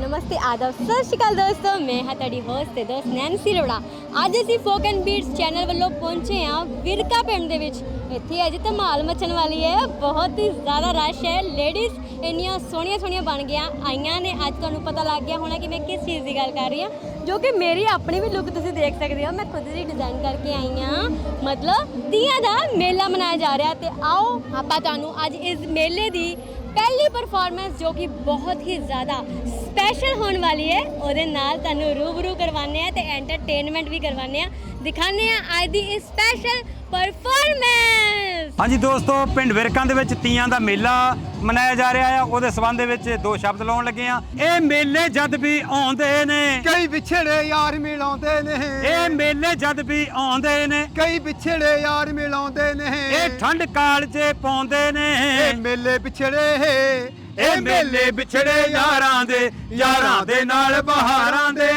नमस्ते आदाब सत श्री अकाल दोस्तों, मैं हाँ तुहाडी होस्ट ते दोस्त नैन्सी अरोड़ा। अज असीं फोक एंड बीट्स चैनल वालों पहुंचे हाँ विरका पिंड दे विच। इत्थे अज धमाल मचण वाली है, बहुत ही ज़्यादा रश है। लेडीज़ इन्नियां सोहणियां सोहणियां बन गया आईयां ने। अज तुहानूं पता लग गया होना कि मैं किस चीज़ की गल कर रही हाँ, जो कि मेरी अपनी भी लुक तुसीं देख सकते हो। मैं खुद ही डिज़ाइन करके आई हाँ, मतलब तीयां दा मेला मनाया जा रहा। तो आओ आपां तुहानूं अज इस मेले की पहली परफॉर्मेंस जो कि बहुत ही ज़्यादा स्पैशल होने वाली है ਉਹਦੇ ਨਾਲ ਤੁਹਾਨੂੰ रूबरू करवाने ते एंटरटेनमेंट भी करवाने दिखाने आज दी इस स्पैशल परफॉर्मेंस। हाँ जी दोस्तों, पिंड विरकां दे विच तीयां दा मेला मनाया जा रहा है। ਉਹਦੇ ਸੰਬੰਧ ਦੇ ਵਿੱਚ ਦੋ ਸ਼ਬਦ ਲਾਉਣ ਲੱਗੇ ਆ। ਇਹ ਮੇਲੇ ਜਦ ਵੀ ਆਉਂਦੇ ਨੇ ਕਈ ਵਿਛੜੇ ਯਾਰ ਮਿਲਾਉਂਦੇ ਨੇ। ਇਹ ਮੇਲੇ ਜਦ ਵੀ ਆਉਂਦੇ ਨੇ ਕਈ ਵਿਛੜੇ ਯਾਰ ਮਿਲਾਉਂਦੇ ਨੇ। ਇਹ ਠੰਡ ਕਾਲ 'ਚ ਪਾਉਂਦੇ ਨੇ। ਇਹ ਮੇਲੇ ਵਿਛੜੇ ਇਹ ਮੇਲੇ ਵਿਛੜੇ ਯਾਰਾਂ ਦੇ ਨਾਲ ਬਹਾਰਾਂ ਦੇ।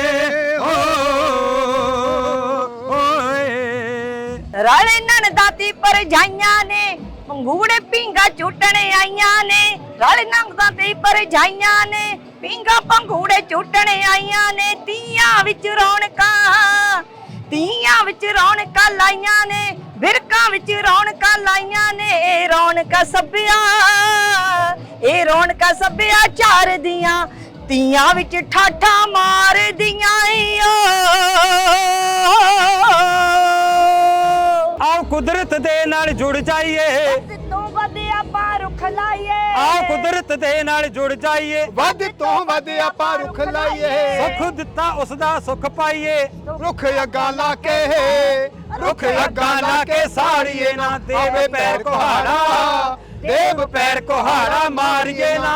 ਰਾਲੇ ਨਨ ਦਾਤੀ ਪਰਜਾਈਆਂ ਨੇ ਮੰਗੂੜੇ ਪਿੰਗਾ ਝੂਟਣ ਆਈਆਂ ਨੇ। ਰਾਲੇ ਨੰਗ ਦਾਤੀ ਪਰਜਾਈਆਂ ਨੇ ਪਿੰਗਾ ਪੰਗੂੜੇ ਝੂਟਣ ਆਈਆਂ ਨੇ। ਤੀਆਂ ਵਿੱਚ ਰੌਣਕਾਂ ਲਾਈਆਂ ਨੇ। ਵਿਰਕਾਂ ਵਿੱਚ ਰੌਣਕਾਂ ਲਾਈਆਂ ਨੇ। ਇਹ ਰੌਣਕਾਂ ਸੱਭਿਆਚਾਰ ਦੀਆਂ ਤੀਆਂ ਵਿੱਚ ਠਾਠਾਂ ਮਾਰਦੀਆਂ ਓ। आओ कुदरत दे नाल जुड़ जाइए, ਵੱਧ ਤੋਂ ਵੱਧ ਆਪਾਂ ਰੁੱਖ ਲਾਈਏ। आओ कुदरत दे नाल जुड़ जाइए। ਵੱਧ ਤੋਂ ਵੱਧ ਆਪਾਂ ਰੁੱਖ ਲਾਈਏ। सुख दिता उसदा सुख पाइए। ਰੁੱਖ ਅੱਗਾ ਲਾ ਕੇ रुख अग्गा ला के साड़िए ना देव पैर कुहाड़ा, देव पैर कुहाड़ा मारिए ना।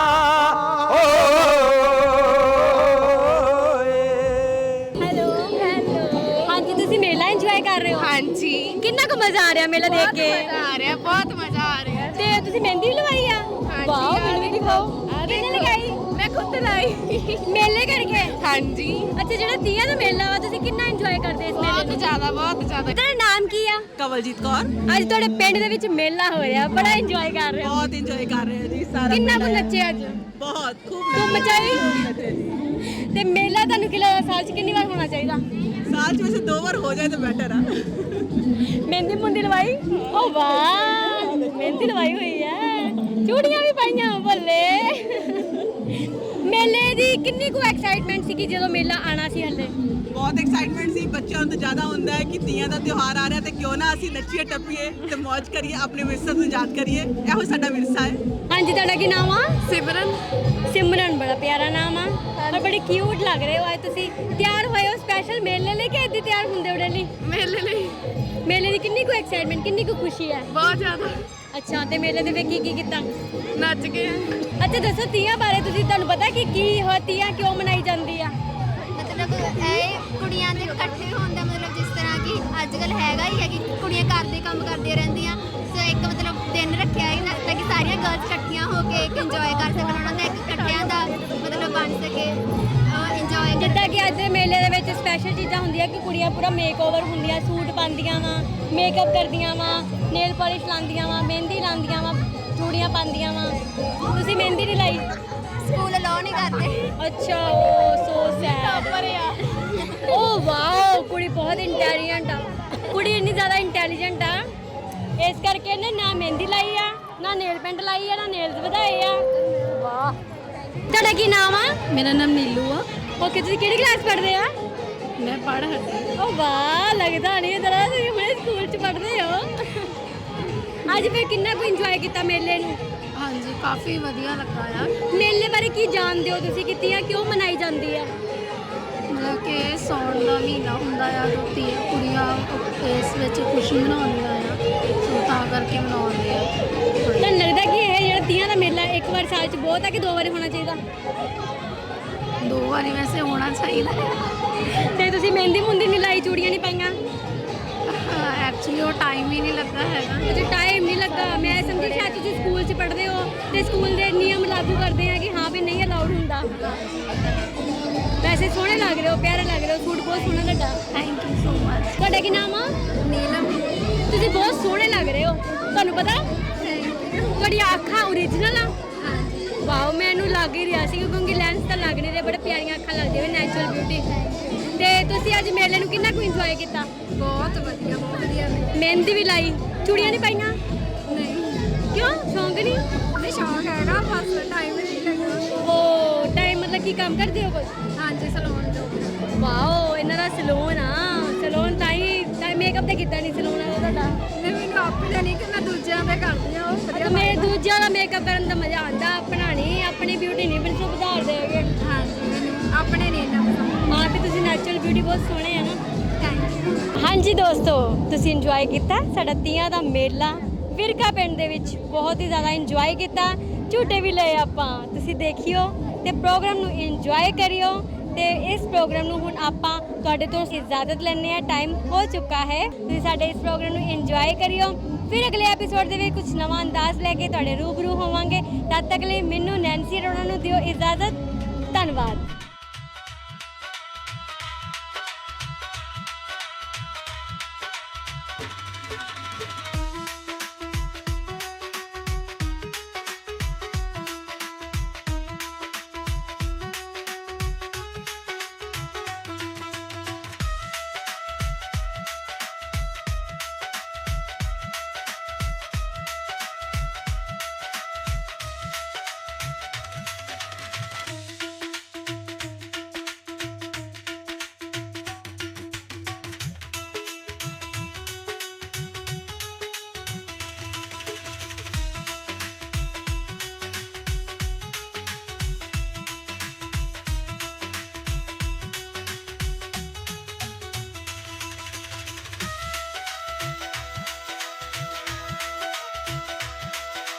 हेलो हाँ जी, तुसीं मेला इंजॉय कर रहे हो? हाँ जी, कितना को मजा आ रहा मेला देख के? बहुत मजा आ रहा है। ते तुसीं मेहंदी भी लवाई आ? हाँ जी, वाओ, आ मैनूं भी दिखाओ। किहने लगाई? मैं खुद लाई। मेले करके? हाँ जी, अच्छा, ਜਿਹੜਾ ਤੀਆਂ ਦਾ ਮੇਲਾ ਵਾ ਤੁਸੀਂ ਕਿੰਨਾ ਇੰਜੋਏ ਕਰਦੇ ਇਸ ਮੇਲੇ बहुत ਨੂੰ? ज्यादा, बहुत ज्यादा। ਤੁਹਾਡਾ ਨਾਮ ਕੀ ਆ? ਕਵਲਜੀਤ ਕੌਰ। ਅੱਜ ਤੁਹਾਡੇ ਪਿੰਡ ਦੇ ਵਿੱਚ ਮੇਲਾ ਹੋ ਰਿਹਾ, ਬੜਾ ਇੰਜੋਏ ਕਰ ਰਹੇ ਹੋ। ਬਹੁਤ ਇੰਜੋਏ ਕਰ ਰਹੇ ਹਾਂ ਜੀ ਸਾਰਾ ਕਿੰਨਾ ਕੁ ਮੇਲਾ। ਨੱਚੇ ਅੱਜ? ਬਹੁਤ ਖੂਬ ਧੁੰਮ ਮਚਾਈ? ਤੇ ਮੇਲਾ ਤੁਹਾਨੂੰ ਕਿ ਲੱਗਦਾ ਸਾਲ 'ਚ ਕਿੰਨੀ ਵਾਰ ਹੋਣਾ ਚਾਹੀਦਾ? ਸਾਲ ਚ ਵੈਸੇ 2 ਵਾਰ ਹੋ ਜਾਏ ਤਾਂ ਬੈਟਰ ਆ। ਮਹਿੰਦੀ ਮੁੰਦੀ ਲਵਾਈ? ਓ ਵਾਹ, ਮਹਿੰਦੀ ਲਵਾਈ ਹੋਈ ਹੈ, ਚੂੜੀਆਂ ਵੀ ਪਾਈਆਂ, ਬੱਲੇ। ਮੇਲੇ ਦੀ ਕਿੰਨੀ ਕੁ ਐਕਸਾਈਟਮੈਂਟ ਸੀ ਕਿ ਜਦੋਂ ਮੇਲਾ ਆਣਾ ਸੀ ਹੱਲੇ? ਬਹੁਤ ਐਕਸਾਈਟਮੈਂਟ ਸੀ। ਬੱਚਿਆਂ ਨੂੰ ਤਾਂ ਜ਼ਿਆਦਾ ਹੁੰਦਾ ਹੈ ਕਿ ਤੀਆਂ ਦਾ ਤਿਉਹਾਰ ਆ ਰਿਹਾ ਤੇ ਕਿਉਂ ਨਾ ਅਸੀਂ ਨੱਚੀਏ ਟੱਪੀਏ ਤੇ ਮौज ਕਰੀਏ, ਆਪਣੇ ਵਿਰਸੇ ਨੂੰ ਯਾਦ ਕਰੀਏ। ਇਹੋ ਸਾਡਾ ਵਿਰਸਾ ਹੈ। ਹਾਂਜੀ, ਤੁਹਾਡਾ ਕੀ ਨਾਮ ਆ? सिमरन। ਸਿਮਰਨ, ਬੜਾ ਪਿਆਰਾ ਨਾਮ ਆ ਔਰ ਬੜੇ ਕਿਊਟ ਲੱਗ ਰਹੇ ਹੋ। ਅੱਜ ਤੁਸੀਂ ਤਿਆਰ ਹੋਏ ਹੋ ਸਪੈਸ਼ਲ ਮੇਲੇ ਲਈ ਕਿ ਇੱਦਾਂ ਤਿਆਰ ਹੁੰਦੇ ਹੋ ਡੇਲੀ? मेले लिए ਮੇਲੇ ਦੀ ਕਿੰਨੀ ਕੁ ਐਕਸਾਈਟਮੈਂਟ, ਕਿੰਨੀ ਕੁ ਖੁਸ਼ੀ ਹੈ? बहुत ज्यादा ਅੱਛਾ, ਤੇ ਮੇਲੇ ਦੇ ਵਿੱਚ ਕੀ ਕੀਤਾ? नच गए। ਅੱਛਾ ਦੱਸੋ, ਤੀਆਂ ਬਾਰੇ ਤੁਸੀਂ, ਤੁਹਾਨੂੰ ਪਤਾ ਕਿ ਕੀ ਹੋ ਤੀਆਂ ਕਿਉਂ ਮਨਾਈ ਜਾਂਦੀ ਆ? ਮਤਲਬ ਇਹ ਕੁੜੀਆਂ ਦੇ ਇਕੱਠੇ ਹੋਣ ਦਾ ਮਤਲਬ ਜਿਸ ਤਰ੍ਹਾਂ ਕਿ ਅੱਜ ਕੱਲ ਹੈਗਾ ਹੀ ਹੈ ਕਿ ਕੁੜੀਆਂ ਘਰ ਦੇ ਕੰਮ ਕਰਦੀਆਂ ਰਹਿੰਦੀਆਂ, ਸੋ ਇੱਕ ਮਤਲਬ ਦਿਨ ਰੱਖਿਆ ਹੈ ਨਾ ਤਾਂ ਕਿ ਸਾਰੀਆਂ ਗਰਲਸ ਇਕੱਠੀਆਂ ਹੋ ਕੇ ਇੱਕ ਇੰਜੋਏ ਕਰ ਸਕਣ, ਉਹਨਾਂ ਦਾ ਇੱਕ ਇਕੱਠਿਆਂ ਦਾ ਮਤਲਬ ਬਣ ਸਕੇ ਇੰਜੋਏ। ਜਿੱਦਾਂ ਕਿ ਅੱਜ ਦੇ ਮੇਲੇ ਦੇ ਵਿੱਚ ਸਪੈਸ਼ਲ ਚੀਜ਼ਾਂ ਹੁੰਦੀਆਂ ਕਿ ਕੁੜੀਆਂ ਪੂਰਾ ਮੇਕਓਵਰ ਹੁੰਦੀਆਂ, ਸੂਟ ਪਾਉਂਦੀਆਂ ਵਾ, ਮੇਕਅਪ ਕਰਦੀਆਂ ਵਾ, ਨੇਲ ਪਾਲਿਸ਼ ਲਾਉਂਦੀਆਂ ਵਾ, ਮਹਿੰਦੀ ਲਾਉਂਦੀਆਂ ਵਾ, ਚੂੜੀਆਂ ਪਾਉਂਦੀਆਂ ਵਾ। ਤੁਸੀਂ ਮਹਿੰਦੀ ਨਹੀਂ ਲਾਈ? ਸਕੂਲ ਅਲਾਉ ਨਹੀਂ ਕਰਦੇ। ਅੱਛਾ, ਓ ਸੋ ਸੈਡ। ਓ ਵਾਓ, ਕੁੜੀ ਬਹੁਤ ਇੰਟੈਲੀਜੈਂਟ ਆ। ਕੁੜੀ ਇੰਨੀ ਜ਼ਿਆਦਾ ਇੰਟੈਲੀਜੈਂਟ ਆ, ਇਸ ਕਰਕੇ ਇਹਨੇ ਨਾ ਮਹਿੰਦੀ ਲਾਈ ਆ, ਨਾ ਨੇਲ ਪੈਂਟ ਲਾਈ ਆ, ਨਾ ਨੇਲਸ ਵਧਾਏ ਆ। ਵਾਹ। ਤੁਹਾਡਾ ਕੀ ਨਾਮ ਆ? मेरा नाम नीलू आ। ਓਕੇ, ਤੁਸੀਂ ਕਿਹੜੀ ਕਲਾਸ ਪੜ੍ਹਦੇ ਆ? मैं पढ़ हटी। ਓ ਵਾਹ, ਲੱਗਦਾ ਨਹੀਂ ਜਰਾ ਤੁਸੀਂ ਹੁਣੇ ਸਕੂਲ 'ਚ ਪੜ੍ਹਦੇ ਹੋ। ਅੱਜ ਫਿਰ ਕਿੰਨਾ ਕੁ ਇੰਜੋਏ ਕੀਤਾ ਮੇਲੇ ਨੂੰ? हाँ जी, काफी वधिया लगा यार। ਮੇਲੇ ਬਾਰੇ ਕੀ ਜਾਣਦੇ ਹੋ ਤੁਸੀਂ ਕਿ ਤੀਆਂ ਕਿਉਂ ਮਨਾਈ ਜਾਂਦੀ ਆ? मतलब कि सौण का महीना ਹੁੰਦਾ ਆ, ਕੁੜੀਆਂ ਇਸ ਵਿੱਚ ਖੁਸ਼ੀ ਮਨਾਉਂਦੀਆਂ ਆ, ਸੋ ਤਾਂ ਕਰਕੇ ਮਨਾਉਂਦੇ ਆ। ਤੁਹਾਨੂੰ ਲੱਗਦਾ ਕਿ ਇਹ ਜਿਹੜਾ ਤੀਆਂ ਦਾ ਮੇਲਾ ਇੱਕ ਵਾਰ ਸਾਲ 'ਚ ਬਹੁਤ ਹੈ ਕਿ 2 ਵਾਰੀ ਹੋਣਾ ਚਾਹੀਦਾ? 2 ਵਾਰੀ ਵੈਸੇ ਹੋਣਾ ਚਾਹੀਦਾ ਹੈ। ਤੇ ਤੁਸੀਂ ਮਹਿੰਦੀ ਮੁੰਦੀ ਨਹੀਂ ਲਾਈ, ਚੂੜੀਆਂ ਨਹੀਂ ਪਾਈਆਂ? ਐਕਚੁਅਲੀ ਉਹ ਟਾਈਮ ਹੀ ਨਹੀਂ ਲੱਗਾ ਹੈਗਾ। ਜੇ ਟਾਈਮ ਨਹੀਂ ਲੱਗਾ, ਮੈਂ ਸਮਝੀ ਸ਼ਾਇਦ ਤੁਸੀਂ ਸਕੂਲ 'ਚ ਪੜ੍ਹਦੇ ਹੋ ਤੇ ਸਕੂਲ ਦੇ ਨਿਯਮ ਲਾਗੂ ਕਰਦੇ ਆ ਕਿ ਹਾਂ ਵੀ ਨਹੀਂ ਅਲਾਉਡ ਹੁੰਦਾ। ਵੈਸੇ ਸੋਹਣੇ ਲੱਗ ਰਹੇ ਹੋ, ਪਿਆਰੇ ਲੱਗ ਰਹੇ ਹੋ, ਸੂਟ ਬਹੁਤ ਸੋਹਣਾ ਤੁਹਾਡਾ। Thank you so much. ਤੁਹਾਡਾ ਕੀ ਨਾਮ ਆ? ਨੀਲਮ। ਤੁਸੀਂ ਬਹੁਤ ਸੋਹਣੇ ਲੱਗ ਰਹੇ ਹੋ। ਤੁਹਾਨੂੰ ਪਤਾ ਤੁਹਾਡੀ ਅੱਖਾਂ ਓਰੀਜਨਲ ਆ? ਵਾਓ ਮੈਨੂੰ ਲੱਗ ਹੀ ਰਿਹਾ ਸੀ ਕਿਉਂਕਿ ਲੈਂਸ ਤਾਂ ਲੱਗ ਨਹੀਂ ਰਹੇ, ਬੜੇ ਪਿਆਰੀਆਂ ਅੱਖਾਂ ਲੱਗਦੀਆਂ ਨੇ, ਨੈਚੁਰਲ ਬਿਊਟੀ। ਤੇ ਤੁਸੀਂ ਅੱਜ ਮੇਲੇ ਨੂੰ ਕਿੰਨਾ ਕੁ ਇੰਜੋਏ ਕੀਤਾ? ਬਹੁਤ ਵਧੀਆ ਮਹਿੰਦੀ ਵੀ ਲਾਈ, ਚੂੜੀਆਂ ਨਹੀਂ ਪਾਈਆਂ? ਨਹੀਂ ਕਿਉਂ, ਸ਼ੌਂਕ ਨਹੀਂ? ਨਹੀਂ ਸ਼ੌਕ ਹੈਗਾ, ਬਸ ਟਾਈਮ ਨਹੀਂ ਲੱਗਦਾ। ਉਹ ਟਾਈਮ ਮਤਲਬ ਕੀ ਕੰਮ ਕਰਦੇ ਹੋ ਕੁਝ? ਹਾਂਜੀ ਸਲੂਨ ਜੋ ਵਾਓ ਇਹਨਾਂ ਦਾ ਸਲੂਨ ਆ, ਸਲੂਨ ਤਾਂ ਹੀ ਮੇਕਅਪ ਤਾਂ ਕੀਤਾ ਨਹੀਂ ਸਲੂਨ ਵਾਲਾ ਤੁਹਾਡਾ? ਮੈਨੂੰ ਆਪੇ ਨਹੀਂ ਕਿ ਮੈਂ ਦੂਜਿਆਂ ਦੇ ਕਰਦੀ ਆ, ਉਹ ਵਧੀਆ ਮੈਂ ਦੂਜਿਆਂ ਦਾ ਮੇਕਅਪ ਕਰਨ ਦਾ ਮਜ਼ਾ ਆਉਂਦਾ, ਆਪਣਾ ਨਹੀਂ, ਆਪਣੀ ਬਿਊਟੀ ਨਹੀਂ ਬਿਲਕੁਲ ਸੁਧਾਰ ਦੇਗੇ। ਹਾਂਜੀ ਮੈਨੂੰ ਆਪਣੇ ਨਹੀਂ ਇੰਨਾ ਪਸੰਦ। ਹਾਂ ਵੀ ਤੁਸੀਂ ਨੈਚੁਰਲ ਬਿਊਟੀ ਬਹੁਤ ਸੋਹਣੇ ਆ ਨਾ। Thank you. ਹਾਂਜੀ ਦੋਸਤੋ, ਤੁਸੀਂ ਇੰਜੋਏ ਕੀਤਾ ਸਾਡਾ ਤੀਆਂ ਦਾ ਮੇਲਾ ਵਿਰਕਾ ਪਿੰਡ ਦੇ ਵਿੱਚ, ਬਹੁਤ ਹੀ ਜ਼ਿਆਦਾ ਇੰਜੋਏ ਕੀਤਾ, ਝੂਟੇ ਵੀ ਲਏ ਆਪਾਂ। ਤੁਸੀਂ ਦੇਖਿਓ ਤੇ ਪ੍ਰੋਗਰਾਮ ਨੂੰ ਇੰਜੋਏ ਕਰਿਓ। ਤੇ ਇਸ ਪ੍ਰੋਗਰਾਮ ਨੂੰ ਹੁਣ ਆਪਾਂ ਤੁਹਾਡੇ ਤੋਂ ਇਜਾਜ਼ਤ ਲੈਣੇ ਆ, ਟਾਈਮ ਹੋ ਚੁੱਕਾ ਹੈ। ਤੁਸੀਂ ਸਾਡੇ ਇਸ ਪ੍ਰੋਗਰਾਮ ਨੂੰ ਇੰਜੋਏ ਕਰਿਓ। ਫਿਰ ਅਗਲੇ ਐਪੀਸੋਡ ਦੇ ਵਿੱਚ ਕੁਝ ਨਵਾਂ ਅੰਦਾਜ਼ ਲੈ ਕੇ ਤੁਹਾਡੇ ਰੂਬਰੂ ਹੋਵਾਂਗੇ। ਤਦ ਤੱਕ ਲਈ ਮੈਨੂੰ ਨੈਂਸੀ ਅਰੋੜਾ ਨੂੰ ਦਿਓ ਇਜਾਜ਼ਤ। ਧੰਨਵਾਦ।